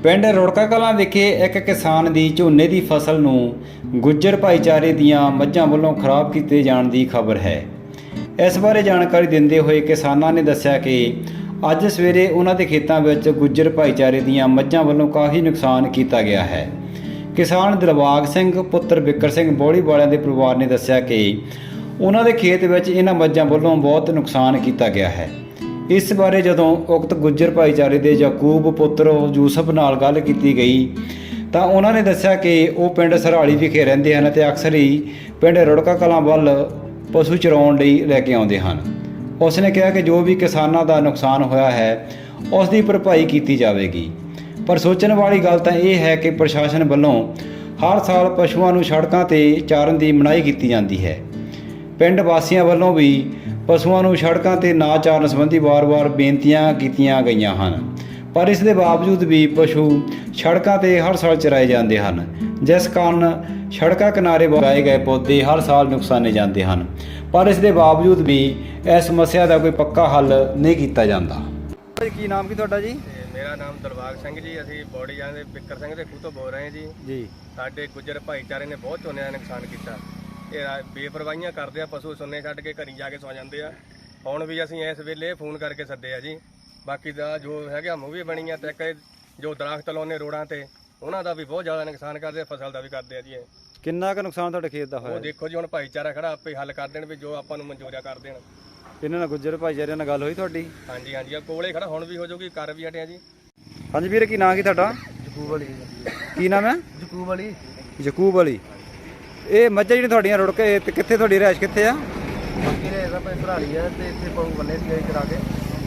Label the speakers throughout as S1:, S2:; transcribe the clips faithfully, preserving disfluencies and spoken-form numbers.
S1: ਪਿੰਡ ਰੁੜਕਾ ਕਲਾਂ ਵਿਖੇ ਇੱਕ ਕਿਸਾਨ ਦੀ ਝੋਨੇ ਦੀ ਫਸਲ ਨੂੰ ਗੁੱਜਰ ਭਾਈਚਾਰੇ ਦੀਆਂ ਮੱਝਾਂ ਵੱਲੋਂ ਖਰਾਬ ਕੀਤੇ ਜਾਣ ਦੀ ਖਬਰ ਹੈ। ਇਸ ਬਾਰੇ ਜਾਣਕਾਰੀ ਦਿੰਦੇ ਹੋਏ ਕਿਸਾਨਾਂ ਨੇ ਦੱਸਿਆ ਕਿ ਅੱਜ ਸਵੇਰੇ ਉਹਨਾਂ ਦੇ ਖੇਤਾਂ ਵਿੱਚ ਗੁੱਜਰ ਭਾਈਚਾਰੇ ਦੀਆਂ ਮੱਝਾਂ ਵੱਲੋਂ ਕਾਫੀ ਨੁਕਸਾਨ ਕੀਤਾ ਗਿਆ ਹੈ। ਕਿਸਾਨ ਦਿਲਬਾਗ ਸਿੰਘ ਪੁੱਤਰ ਬਿੱਕਰ ਸਿੰਘ ਬੋੜੀ ਵਾਲਿਆਂ ਦੇ ਪਰਿਵਾਰ ਨੇ ਦੱਸਿਆ ਕਿ ਉਹਨਾਂ ਦੇ ਖੇਤ ਵਿੱਚ ਇਹਨਾਂ ਮੱਝਾਂ ਵੱਲੋਂ ਬਹੁਤ ਨੁਕਸਾਨ ਕੀਤਾ ਗਿਆ ਹੈ। ਇਸ ਬਾਰੇ ਜਦੋਂ ਉਕਤ ਗੁੱਜਰ ਭਾਈਚਾਰੇ ਦੇ ਯਾਕੂਬ ਪੁੱਤਰ ਯੂਸਫ ਨਾਲ ਗੱਲ ਕੀਤੀ ਗਈ ਤਾਂ ਉਹਨਾਂ ਨੇ ਦੱਸਿਆ ਕਿ ਉਹ ਪਿੰਡ ਸਰਹਾਲੀ ਵਿਖੇ ਰਹਿੰਦੇ ਹਨ ਅਤੇ ਅਕਸਰ ਹੀ ਪਿੰਡ ਰੁੜਕਾ ਕਲਾਂ ਵੱਲ ਪਸ਼ੂ ਚਰਾਉਣ ਲਈ ਲੈ ਕੇ ਆਉਂਦੇ ਹਨ। ਉਸ ਨੇ ਕਿਹਾ ਕਿ ਜੋ ਵੀ ਕਿਸਾਨਾਂ ਦਾ ਨੁਕਸਾਨ ਹੋਇਆ ਹੈ ਉਸ ਦੀ ਭਰਪਾਈ ਕੀਤੀ ਜਾਵੇਗੀ। ਪਰ ਸੋਚਣ ਵਾਲੀ ਗੱਲ ਤਾਂ ਇਹ ਹੈ ਕਿ ਪ੍ਰਸ਼ਾਸਨ ਵੱਲੋਂ ਹਰ ਸਾਲ ਪਸ਼ੂਆਂ ਨੂੰ ਸੜਕਾਂ 'ਤੇ ਚਾਰਨ ਦੀ ਮਨਾਹੀ ਕੀਤੀ ਜਾਂਦੀ ਹੈ। ਪਿੰਡ ਵਾਸੀਆਂ ਵੱਲੋਂ ਵੀ ਪਸ਼ੂਆਂ ਨੂੰ ਸੜਕਾਂ 'ਤੇ ਨਾ ਚਾਰਨ ਸੰਬੰਧੀ ਵਾਰ-ਵਾਰ ਬੇਨਤੀਆਂ ਕੀਤੀਆਂ ਗਈਆਂ ਹਨ, ਪਰ ਇਸ ਦੇ ਬਾਵਜੂਦ ਵੀ ਪਸ਼ੂ ਸੜਕਾਂ 'ਤੇ ਹਰ ਸਾਲ ਚਰਾਏ ਜਾਂਦੇ ਹਨ, ਜਿਸ ਕਾਰਨ ਸੜਕਾਂ ਕਿਨਾਰੇ ਲਗਾਏ ਗਏ ਪੌਦੇ ਹਰ ਸਾਲ ਨੁਕਸਾਨੇ ਜਾਂਦੇ ਹਨ। ਪਰ ਇਸ ਦੇ ਬਾਵਜੂਦ ਵੀ ਇਸ ਸਮੱਸਿਆ ਦਾ ਕੋਈ ਪੱਕਾ ਹੱਲ ਨਹੀਂ ਕੀਤਾ ਜਾਂਦਾ। ਕੀ ਨਾਮ ਕੀ ਤੁਹਾਡਾ ਜੀ?
S2: ਮੇਰਾ ਨਾਮ ਦਿਲਬਾਗ ਸਿੰਘ ਜੀ। ਅਸੀਂ ਬੋੜੀ ਜਾਂਦੇ ਬਿੱਕਰ ਸਿੰਘ ਦੇ ਖੂਹ ਤੋਂ ਬੋਲ ਰਹੇ ਹਾਂ ਜੀ।
S1: ਜੀ
S2: ਸਾਡੇ ਗੁੱਜਰ ਭਾਈਚਾਰੇ ਨੇ ਬਹੁਤ ਝੋਨੇ ਦਾ ਨੁਕਸਾਨ ਕੀਤਾ। ਇਹ ਬੇਪਰਵਾਹੀਆਂ ਕਰਦੇ ਆ, ਪਸ਼ੂ ਸੁੰਨੇ ਛੱਡ ਕੇ ਘਰੀ ਜਾ ਕੇ ਸੌ ਜਾਂਦੇ ਆ। ਹੁਣ ਵੀ ਅਸੀਂ ਇਸ ਵੇਲੇ ਫੋਨ ਕਰਕੇ ਸੱਦੇ ਆ ਜੀ। ਬਾਕੀ ਦਾ ਜੋ ਹੈਗਾ ਮੂਵੀ ਬਣੀ ਆ ਤੇ ਇੱਕ ਜੋ ਦਰਖਤ ਲਾਉਣੇ ਰੋਡਾਂ ਤੇ ਉਹਨਾਂ ਦਾ ਵੀ ਬਹੁਤ ਜ਼ਿਆਦਾ ਨੁਕਸਾਨ ਕਰਦੇ ਆ, ਫਸਲ ਦਾ ਵੀ ਕਰਦੇ ਆ ਜੀ। ਇਹ
S1: ਕਿੰਨਾ ਕੁ ਨੁਕਸਾਨ ਤੁਹਾਡੇ ਖੇਤ ਦਾ ਹੋਇਆ?
S2: ਉਹ ਦੇਖੋ ਜੀ, ਹੁਣ ਭਾਈਚਾਰਾ ਖੜਾ ਆਪੇ ਹੱਲ ਕਰ ਦੇਣ ਵੀ ਜੋ ਆਪਾਂ ਨੂੰ ਮਨਜ਼ੂਰ ਕਰ ਦੇਣ।
S1: ਇਹਨਾਂ ਨਾਲ ਗੁੱਜਰ ਭਾਈਚਾਰਿਆਂ ਨਾਲ ਗੱਲ ਹੋਈ ਤੁਹਾਡੀ?
S2: ਹਾਂਜੀ ਹਾਂਜੀ, ਆ ਕੋਲੇ ਖੜਾ, ਹੁਣ ਵੀ ਹੋ ਜਾਊਗੀ, ਕਰ ਵੀ ਹਟਿਆ ਜੀ।
S1: ਹਾਂਜੀ ਵੀਰ, ਕੀ ਨਾਂ ਕੀ ਤੁਹਾਡਾ?
S2: ਯਕੂਬ ਵਾਲੀ।
S1: ਕੀ ਨਾਮ ਹੈ?
S2: ਯਕੂਬ ਵਾਲੀ।
S1: ਯਕੂਬ ਵਾਲੀ। ਇਹ ਮੱਝਾਂ ਜਿਹੜੀਆਂ ਤੁਹਾਡੀਆਂ ਰੁੜ ਕੇ ਤੇ ਕਿੱਥੇ ਤੁਹਾਡੀ ਰਿਹਾਇਸ਼ ਕਿੱਥੇ ਆ?
S2: ਬਾਕੀ ਨੇ ਇਹਦਾ ਭਾਈ ਸਰਹਾਲੀ ਆ ਤੇ ਇੱਥੇ ਪਸ਼ੂ ਬੰਨੇ ਸੀਗੇ ਚਰਾ ਕੇ।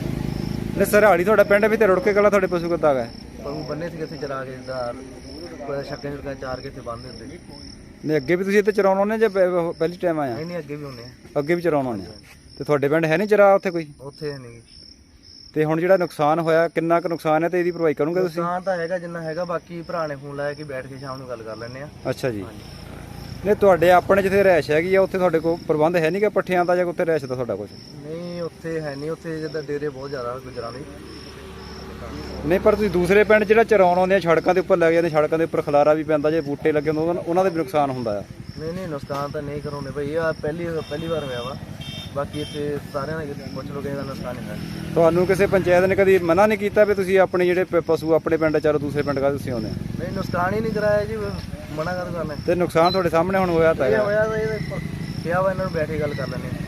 S1: ਨੇ ਸਰਹਾਲੀ ਤੁਹਾਡਾ ਪਿੰਡ ਵੀ ਤੇ ਰੁੜ ਕੇ ਕਲਾ ਤੁਹਾਡੇ ਪਸ਼ੂ ਕਿੱਦਾਂ ਗਏ?
S2: ਪਸ਼ੂ ਬੰਨੇ ਸੀਗੇ ਇੱਥੇ ਚਰਾ ਕੇ ਦਾ ਛੱਕੇ ਛੱਕੇ ਚਾਰ ਕੇ ਇੱਥੇ ਬੰਨ੍ਹਦੇ ਹੁੰਦੇ।
S1: ਨੇ ਅੱਗੇ ਵੀ ਤੁਸੀਂ ਇੱਥੇ ਚਰਾਉਣ ਆਉਂਦੇ ਜਾਂ ਪਹਿ- ਪਹਿਲੀ ਟਾਈਮ ਆਇਆ?
S2: ਨਹੀਂ ਨਹੀਂ, ਅੱਗੇ ਵੀ ਹੁੰਦੇ ਆ।
S1: ਅੱਗੇ ਵੀ ਚਰਾਉਣ ਆਉਂਦੇ ਆ। ਤੇ ਤੁਹਾਡੇ ਪਿੰਡ ਹੈ ਨਹੀਂ ਚਰਾ ਉੱਥੇ ਕੋਈ?
S2: ਉੱਥੇ ਨਹੀਂ।
S1: ਤੇ ਹੁਣ ਜਿਹੜਾ ਨੁਕਸਾਨ ਹੋਇਆ ਕਿੰਨਾ ਕੁ ਨੁਕਸਾਨ ਹੈ ਤੇ ਇਹਦੀ ਭਰਪਾਈ ਕਰੋਗੇ ਤੁਸੀਂ?
S2: ਨੁਕਸਾਨ ਤਾਂ ਹੈਗਾ ਜਿੰਨਾ ਹੈਗਾ, ਬਾਕੀ ਭਰਾ ਨੇ ਫੋਨ ਲਾਇਆ ਕਿ ਬੈਠ ਕੇ ਸ਼ਾਮ ਨੂੰ ਗੱਲ ਕਰ ਲੈਂਦੇ ਆ।
S1: ਅੱਛਾ ਜੀ। ਨੇ ਤੁਹਾਡੇ ਆਪਣੇ ਜਿੱਥੇ ਰਿਹਾਇਸ਼ ਹੈਗੀ ਆ ਉੱਥੇ ਤੁਹਾਡੇ ਕੋਲ ਪ੍ਰਬੰਧ ਹੈ ਨਹੀਂ ਕਿ ਪੱਠਿਆਂ ਦਾ ਜਾਂ ਉੱਥੇ ਰਿਹਾਇਸ਼ ਦਾ ਤੁਹਾਡਾ ਕੁਝ?
S2: ਨਹੀਂ, ਉੱਥੇ ਹੈ ਨਹੀਂ। ਉੱਥੇ ਜਿੱਦਾਂ ਡੇਰੇ ਬਹੁਤ ਜ਼ਿਆਦਾ ਗੁਜਰਾਂ ਦੇ।
S1: ਨਹੀਂ, ਪਰ ਤੁਸੀਂ ਦੂਸਰੇ ਪਿੰਡ ਜਿਹੜਾ ਚਰਾਉਣ ਆਉਂਦੇ ਆ ਸੜਕਾਂ ਦੇ ਉੱਪਰ ਲੱਗ ਜਾਂਦੇ, ਸੜਕਾਂ ਦੇ ਉੱਪਰ ਖਲਾਰਾ ਵੀ ਪੈਂਦਾ, ਜੇ ਬੂਟੇ ਲੱਗੇ ਹੁੰਦੇ ਉਹਨਾਂ ਦਾ ਵੀ ਨੁਕਸਾਨ ਹੁੰਦਾ ਆ।
S2: ਨਹੀਂ ਨਹੀਂ, ਨੁਕਸਾਨ ਤਾਂ ਨਹੀਂ ਕਰਾਉਂਦੇ ਭਾਈ, ਇਹ ਪਹਿਲੀ ਪਹਿਲੀ ਵਾਰ ਹੋਇਆ ਵਾ। ਬਾਕੀ ਇੱਥੇ ਸਾਰਿਆਂ ਨੇ ਪੁੱਛ ਲਓ ਕਿਸੇ ਦਾ ਨੁਕਸਾਨ ਨਹੀਂ ਹੋਇਆ।
S1: ਤੁਹਾਨੂੰ ਕਿਸੇ ਪੰਚਾਇਤ ਨੇ ਕਦੀ ਮਨਾ ਨਹੀਂ ਕੀਤਾ ਵੀ ਤੁਸੀਂ ਆਪਣੇ ਜਿਹੜੇ ਪ- ਪਸ਼ੂ ਆਪਣੇ ਪਿੰਡ ਚਾਰੋ ਦੂਸਰੇ ਪਿੰਡ ਕਾ ਤੁਸੀਂ ਆਉਂਦੇ ਆ?
S2: ਨਹੀਂ, ਨੁਕਸਾਨ ਹੀ ਨਹੀਂ ਕਰਾਇਆ ਜੀ, ਮਨਾ ਕਰ ਕਰਨਾ।
S1: ਤੇ ਨੁਕਸਾਨ ਤੁਹਾਡੇ ਸਾਹਮਣੇ ਹੁਣ ਹੋਇਆ ਤਾਂ
S2: ਇਹ
S1: ਹੈਗਾ।
S2: ਹੋਇਆ ਤਾਂ ਇਹ ਕਿਹਾ ਵਾ ਇਹਨਾਂ ਨੂੰ ਬੈਠ ਕੇ ਗੱਲ ਕਰ ਲੈਂਦੇ ਆ।